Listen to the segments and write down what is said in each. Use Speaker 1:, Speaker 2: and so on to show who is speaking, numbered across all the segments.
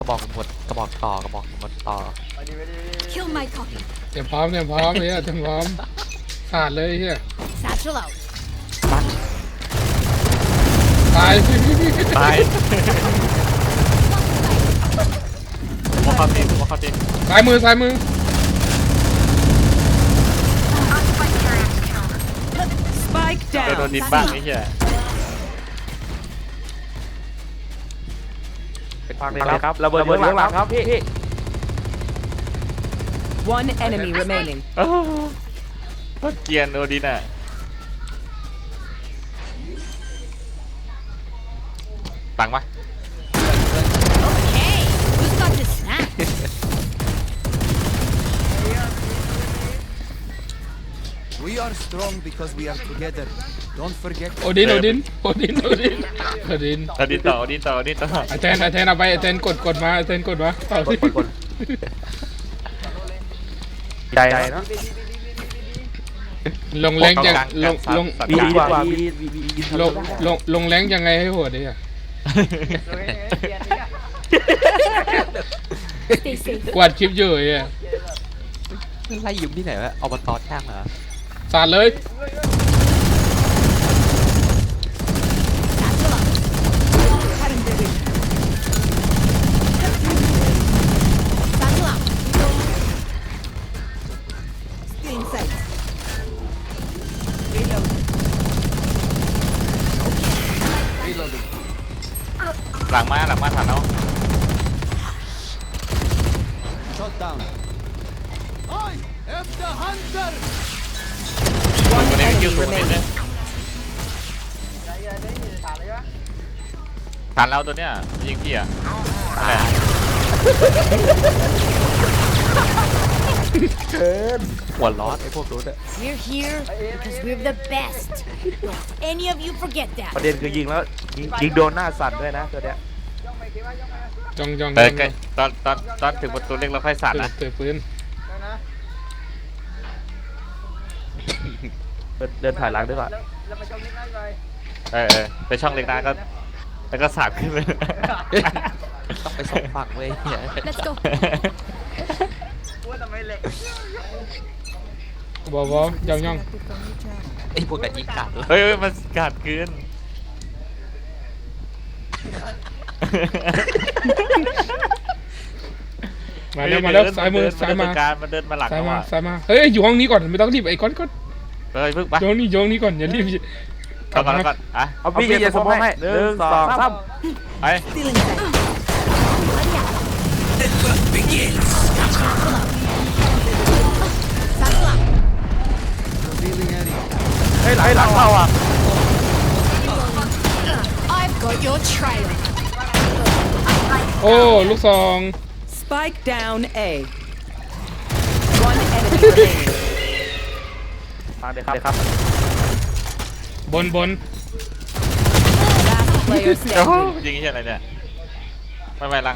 Speaker 1: กระบอกหมดกระบอกต่อกระบอกหมดต่อ
Speaker 2: Kill my copy.
Speaker 3: เตรียมพร้อมเนี่ยเตรียมพร้อมขาดเลยเฮีย
Speaker 2: Satchel out.
Speaker 3: ตาย
Speaker 1: ตายว่าเขาตีว่าเขาตี
Speaker 3: ซ้ายมือ
Speaker 4: Spike
Speaker 1: โดน
Speaker 4: down.
Speaker 1: ดินบ้างไอ้เหี้ยฟังเลยครับระเบิดเรื่องหลังครับพี่
Speaker 4: One enemy remaining.
Speaker 1: เกียนโดดินอ่ะตังปะ
Speaker 2: Hey, who's got the snack?
Speaker 5: We are strong because we are together. Don't forget.
Speaker 3: โอดิน
Speaker 1: เอาดินต่อ
Speaker 3: ไอแทนเอาไปไอแทนกดมาต่อสิ
Speaker 1: ใจเนาะ
Speaker 3: ลงแรงยังลง
Speaker 1: ดีกว่า
Speaker 3: ลงแรงยังไงให้โหดดิอ่ะ
Speaker 2: Stay safe.
Speaker 3: กวาดคลิปอยู่ไอ่ะ
Speaker 1: ไล่ยืมที่ไหนวะอบตช่างเหรอ
Speaker 3: สาดเลย
Speaker 2: Satchel out. Cutting the vision. Satchel out. Stay inside.
Speaker 5: Reloading.
Speaker 1: หลังมาทันแล้ว
Speaker 5: Shot down. I am the hunter.
Speaker 1: ตัวนี้ไม่คิวสูงนิดนึงทันแล้วตัวเนี้ยยิงพี่อ่ะอะไรหัวร้อนไอ้พวกนู้นอ่ะ
Speaker 2: We're here because we're the best. Don't any of you forget that.
Speaker 6: ประเด็นคือยิงแล้วยิงโดนหน้าสั่นด้วยนะตัวเนี้ย
Speaker 3: จอง
Speaker 1: ตอนถึงประตูเล็กเราค่อยสั่นนะ
Speaker 3: เตะปืน
Speaker 6: เดินถ่ายหลังด้วยก่อน
Speaker 1: ไปช่องเล็กน้าก็แล้วก็สาดขึ้นไป
Speaker 6: ต้องไปสองฝั่งเว้ย
Speaker 2: Let's go.
Speaker 3: บอกย่อง
Speaker 1: ไอ้พวกนั้นยิงกัดเฮ้ยมันกัดขึ้น
Speaker 3: มาแล้วซ้ายมือซ้ายมา
Speaker 1: มันเดินมาหลัง
Speaker 3: ซ้ายมาเฮ้ยอยู่ห้องนี้ก่อนไม่ต้องรีบไอ้ก้อน
Speaker 1: เฮ้ยพึ่งไป
Speaker 3: โยงนี้ก่อนอย่ารีบ
Speaker 1: ก่อนอ่ะ
Speaker 6: เอาพี่จะสมองให้1 2 3
Speaker 1: ไป
Speaker 2: Still inside. Satchel out.
Speaker 5: Revealing area.
Speaker 6: เฮ้ยหลังเข้าอ่ะ
Speaker 2: I've got your trail.
Speaker 3: โอ้ลูกซอง
Speaker 4: Spike down A. One enemy remaining.
Speaker 6: ทางเดียวครับ
Speaker 3: บน
Speaker 4: Last player
Speaker 1: โอ้
Speaker 4: standing.
Speaker 1: ยิงอะไรเนี่ยไม่หลัง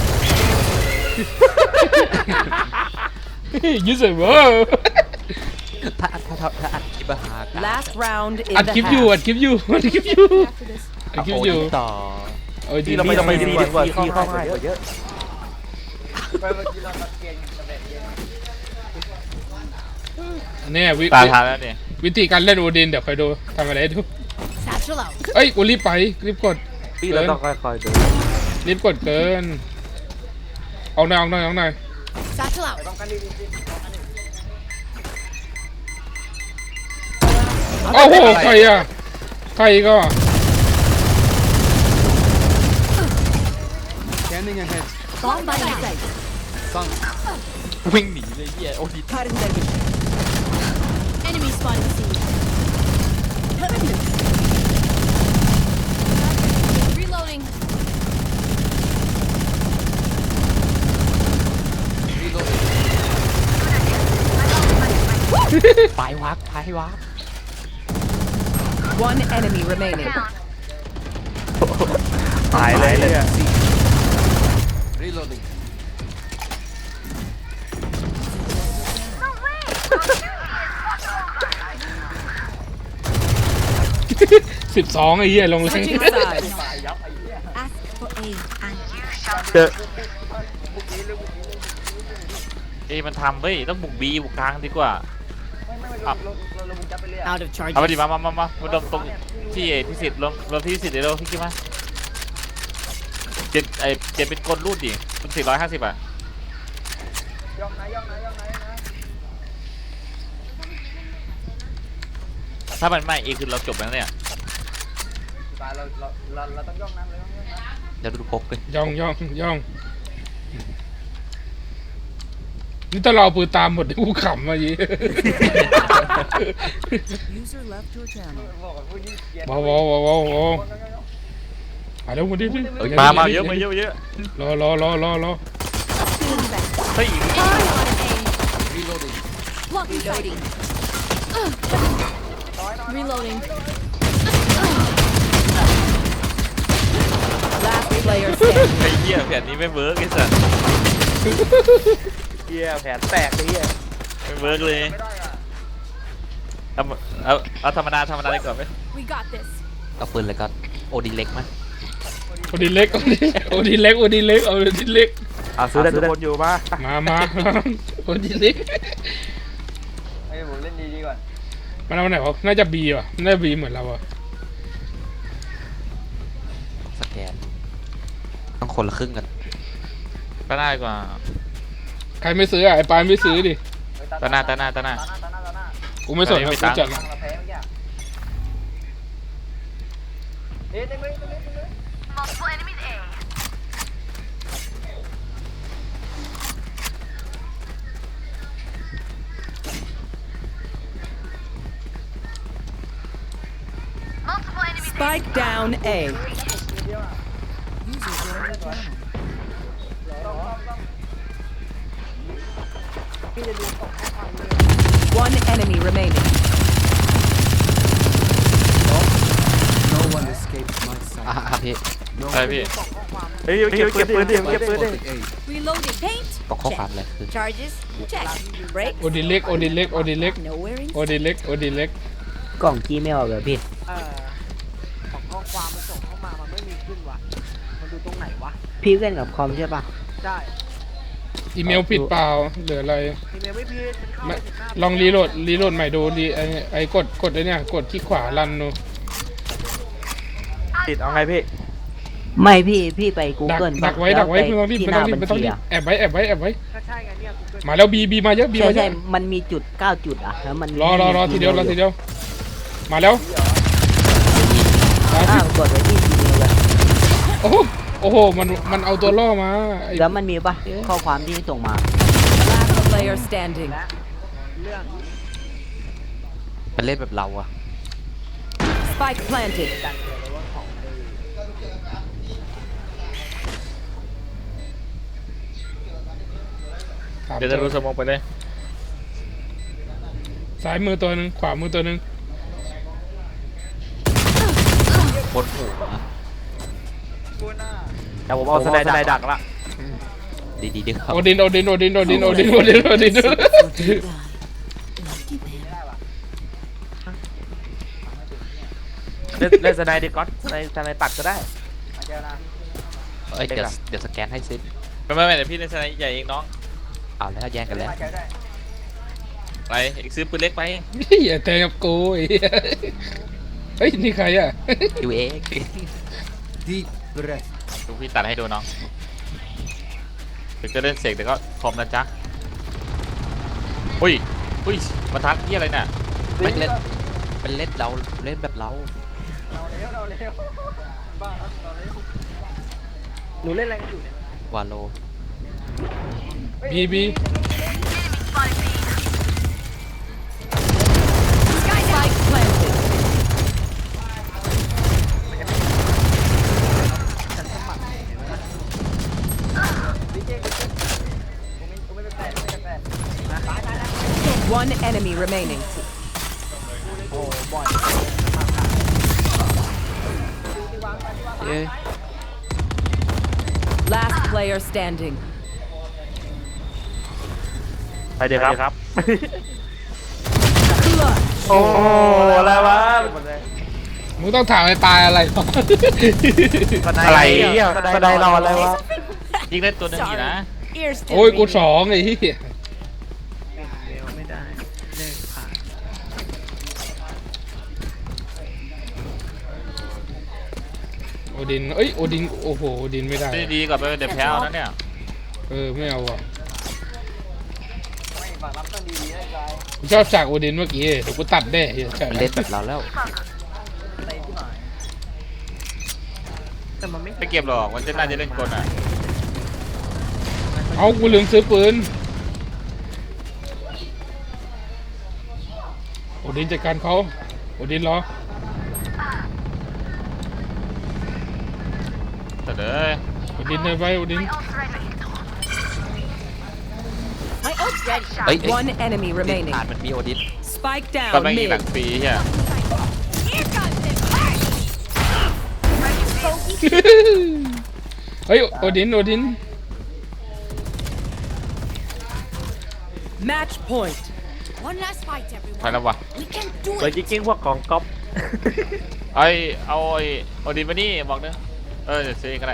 Speaker 3: ยูเซอร์เวอร์
Speaker 1: ถ้าอัดคลิปหา
Speaker 4: Last round in
Speaker 3: อัด
Speaker 4: the
Speaker 3: คลิปอยู่
Speaker 4: half.
Speaker 3: อัดคลิปอยู่
Speaker 1: ต่อ
Speaker 3: โอ้ยดี
Speaker 6: ที่เราไม่ดีกว่าที่เข้าง่ายกว่าเยอะ
Speaker 3: เนี่ย
Speaker 1: ตาทานแล้วเนี่ย
Speaker 3: วิธีการเล่นโอดินเดี๋ยวคอยดูทำอะไรดู
Speaker 2: Satchel out.
Speaker 3: เอ้ยกูรีบกด
Speaker 6: ที่เราต้องค่อยๆดู
Speaker 3: รีบกดเกินเอาหน่อย
Speaker 2: Satchel out.
Speaker 3: โอ้โหใครก็
Speaker 5: Scanning ahead.
Speaker 2: Bomb by my side.
Speaker 5: Sunk.
Speaker 1: วิ่งหนีเลยเหี้ยโอ้ดิ
Speaker 4: Cutting their vision.
Speaker 2: Enemy spotted C. Reloading.
Speaker 5: Reloading.
Speaker 1: ไปวัก
Speaker 4: One enemy remaining.
Speaker 6: ตายเลยเนี่ย
Speaker 5: Reloading.
Speaker 3: 12ไอ้เหี้ยลงแรง
Speaker 4: Switching sides.
Speaker 2: Ask for aid and you
Speaker 6: เจอ
Speaker 7: เอ้ยมันทำเว้ยต้องบุกบีบุกกลางดีกว่า
Speaker 2: Out of
Speaker 7: เอาไป
Speaker 2: charges.
Speaker 7: ดิมาดมตรงที่พิสิทธิ์รวมที่พิสิทธิ์เดี๋ยวพี่คิดมาเจ็ดเป็นกลรูดดิเป็น450อ่ะถ้ามันไม่คือเราจบแล้วเนี่ย
Speaker 1: เดี๋ยวดูพกเลย
Speaker 3: ย่องนี่ถ้าเราเอาปืนตามหมดที่กูขำมายีว้าวมาแล้วมาดิ
Speaker 7: มาเยอะ
Speaker 3: รอ
Speaker 7: เฮ้ย
Speaker 2: Reloading. Reloading.
Speaker 4: Last player standing.
Speaker 7: ไอ้เหี้ยแผนนี้ไม่เวิร์กไอ้สัส
Speaker 6: เหี้ยแผนแตกเลยเหี้ย
Speaker 7: ไม่เวิร์กเลยเอาธรรมดาดีกว่าไหม
Speaker 2: We got this.
Speaker 1: เอาปืนเลยก็โอดีเล็กมั้ย
Speaker 3: โอดีเล็กเอาซื้อได้ทุกคนอยู่มาโอดีเล็กผมเล่นดีก่อนมันเอาไหนวะน่าจะบีว่ะน่าจะบีเหมือนเราอ่ะ
Speaker 1: สแกนต้องคนละครึ่งกัน
Speaker 7: ก็ได้กว่า
Speaker 3: ใครไม่ซื้ออ่ะไอ้ปานไม่ซื้อดิ
Speaker 7: ตาหน้า
Speaker 3: กูไม่สน
Speaker 7: ไม่
Speaker 3: กู
Speaker 7: ตังค์
Speaker 3: จัด
Speaker 4: Spike down A. One enemy remaining.
Speaker 5: No one escapes my sight.
Speaker 1: พี่
Speaker 5: No
Speaker 7: อะไรพี่
Speaker 6: เฮ้ยเก็บปืนดิ
Speaker 5: spotted A.
Speaker 2: Reloading. Paint.
Speaker 1: บอกข้อความเลยคือ
Speaker 2: Charges. Check. Break.
Speaker 3: โอดีเล็ก
Speaker 2: Nowhere in.
Speaker 3: โอดีเล็ก
Speaker 8: กล่องจีเมลเหรอพี่
Speaker 9: ของข้อความมันส่งเข้ามา มันไม่มีขึ้นว่ะ มันดูตรงไหนวะ
Speaker 8: พี่เล่นกับคอมใช่ปะ
Speaker 9: ได้
Speaker 3: อีเมลผิดเปล่าหรืออะไร
Speaker 9: อีเมลไม่ผิดมันเข้า
Speaker 3: ไม่
Speaker 9: ไปถึงหน้า
Speaker 3: ลองรีโหลดใหม่ดูไอ้กดไอ้เนี่ยกดที่ขวารันดู
Speaker 6: ติดเอาไงพี่
Speaker 8: ไม่พี่ไป Google
Speaker 3: ดักไว้
Speaker 8: แล้ว
Speaker 3: ไม่ต้องรีบ
Speaker 8: ที่
Speaker 3: ไม่
Speaker 8: ห
Speaker 3: ต้
Speaker 8: น้า
Speaker 3: องรี
Speaker 8: บั
Speaker 3: บ
Speaker 8: ญ
Speaker 3: ไม่ต้อง
Speaker 8: ชี
Speaker 3: รีบ
Speaker 8: อะ
Speaker 3: แอบไว้
Speaker 9: ก็ใช่ไงเนี่ย Google
Speaker 3: มาแล้วบีมาเยอะบีมาเย
Speaker 8: ใช่
Speaker 3: อะ
Speaker 8: มันมีจุด9จุดอ่ะแล้วมัน
Speaker 3: รอทีเดียวมาแล้ว
Speaker 8: อ้าวกดไว้ที่จีเมลเลย
Speaker 3: โอ้โหมันเอาตัวล่อมาไอ้
Speaker 8: แล้วมันมีปะข้อความที่ส่งมา
Speaker 4: Last player standing.
Speaker 1: เป็นเล่นแบบเราอะ
Speaker 4: Spike planted.
Speaker 7: เดี๋ยวจะรู้สมองไปเลย
Speaker 3: ซ้ายมือตัวหนึงขวามือตัวหนึง
Speaker 1: บนหัว
Speaker 6: แต่ผมเอาสไนดักละ
Speaker 1: ดีๆครับ
Speaker 3: โอดิน
Speaker 6: เล่นสไนดีก๊อตสไนตัดก็ได้
Speaker 1: เอ้ยเดี๋ยวสแกนให้ซิ
Speaker 7: ไม่เดี๋ยวพี่ในสไนใหญ่เองน้อง
Speaker 1: เอาแล้วแย่งกันแล้ว
Speaker 7: ไปอีกซื้อปืนเล็กไป
Speaker 3: อย่าแทงกับกูไอ้เหี้ยเฮ้ยนี่ใครอ่ะ
Speaker 1: ยูเอ
Speaker 5: Deep breath.
Speaker 7: ดูพี่ตัดให้ดูน้องถึงจะเล่นเสกแต่ก็คอมนะจ๊ะอุ้ยมาทักที่อะไรเนี่ย
Speaker 1: ไม่เล่นเป็นเล่นเราเล่นแบบเรา
Speaker 9: หนูเล่นอะไรกันอยู่เนี่ยว
Speaker 1: าโล
Speaker 3: บี
Speaker 4: Spike planted. 1 enemy remaining.
Speaker 1: เอ้ย
Speaker 4: Last player standing.
Speaker 6: ไปเดี๋ยวครับ โอ้อะไรวะ
Speaker 3: มึงต้องถามไอ้ปลายอะไร
Speaker 6: อะไรเนี่ยสไนรออะไรวะ
Speaker 7: ยิงได้ตัวหนึงอีกนะ
Speaker 2: Ears
Speaker 3: โอ้ย
Speaker 2: still
Speaker 3: กู
Speaker 2: ringing.
Speaker 3: สองไอ้เหี้ย
Speaker 9: เร็วไม่ได้เลิกผ่าน
Speaker 3: โอดินเอ้ยโอดินโอ้โหโอดินไม่ได้
Speaker 7: ดีกว่าไปเดี๋ยวแพ้เอานะเนี่ย
Speaker 3: ไม่เอาอ่ะ
Speaker 9: ไม่ฝั่งรับต้องดีๆนะใจ
Speaker 3: กูชอบฉากโอดินเมื่อกี้เดี๋ยวกูตัดได้เหี้ยใช่
Speaker 1: เล่นแบบเราแล้ว
Speaker 9: เตะที่หน่อยแต่มันไม่
Speaker 7: ไม่เก็บหรอกมันจะน่าจะเล่นกลอ่ะ
Speaker 3: เอากูลืมซื้อปืนโอดินจัดการเขาโอดินรอ
Speaker 7: แต่เด้อ
Speaker 3: โอดินเดินไปโอดิน
Speaker 2: My ult's ready.
Speaker 1: เฮ้ย
Speaker 4: One enemy
Speaker 1: ดิน
Speaker 4: remaining.
Speaker 1: ผ่านมันมีโอดิน
Speaker 4: Spike
Speaker 7: ก็
Speaker 4: down
Speaker 7: ไม่มีหนั
Speaker 4: mid.
Speaker 7: งฟรีเฮีย
Speaker 2: Here comes the party.
Speaker 3: เฮ้ยโอดินโอดิน
Speaker 4: Match point.
Speaker 2: One last fight,
Speaker 7: ไป
Speaker 2: everyone.
Speaker 7: แล้ววะ
Speaker 2: We can do
Speaker 6: เลย
Speaker 2: it.
Speaker 6: จริงๆพวกของก๊อฟ
Speaker 7: เอาไอ้โอดินมานี่บอกเด้อเดี๋ยวซื้อเองก็ได้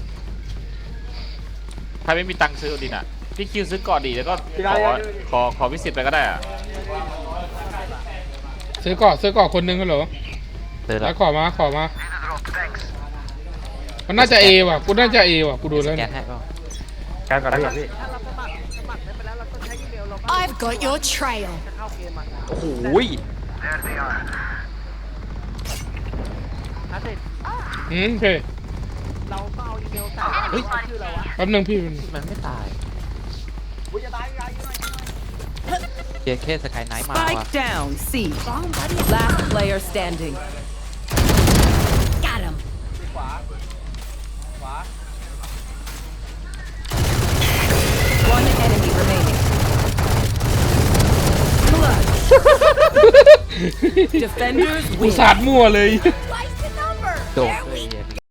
Speaker 7: ใครไม่มีตังค์ซื้อโอดินอ่ะพี่คิวซื้อก่อนดีแล้วก็ขอวิสิตไปก็ได้อ่ะ
Speaker 3: ซื้อเกาะคนหนึงกันเหรอ
Speaker 1: เดิน
Speaker 3: แล้
Speaker 1: แล้ว ว
Speaker 3: ขอมามันน่าจะเอว่ะกูน่าจะเอว่ะกูดูแล้ว
Speaker 1: แก
Speaker 3: เนี่ย
Speaker 1: นให้ก็
Speaker 6: การก่อนพี่
Speaker 9: ถ้าเราสมัครได้ไปแล้วเราต้องใช้อีเมลเราก็
Speaker 2: I've got your trail.
Speaker 9: จะเข้าเกมอ่ะ
Speaker 1: โอ้โห
Speaker 9: ถ้าเสร็จ
Speaker 3: โอเค
Speaker 9: เราก็เอาอีเมลใส่ว่าเราชื่อเราวะ
Speaker 3: แป๊บนึงพี่
Speaker 1: มันไม่ตาย
Speaker 9: กูจะตายยังไง
Speaker 1: เจเคสกายไนท์มาว่ะ
Speaker 4: Spike down C.
Speaker 2: Bomb buddy.
Speaker 4: Last player standing.
Speaker 2: Got him.
Speaker 9: ขวาขวา
Speaker 4: One enemy remaining. Clutch. Defenders
Speaker 3: กู
Speaker 4: win.
Speaker 3: สาดมั่วเลย
Speaker 2: Twice the number.
Speaker 1: โดด
Speaker 2: There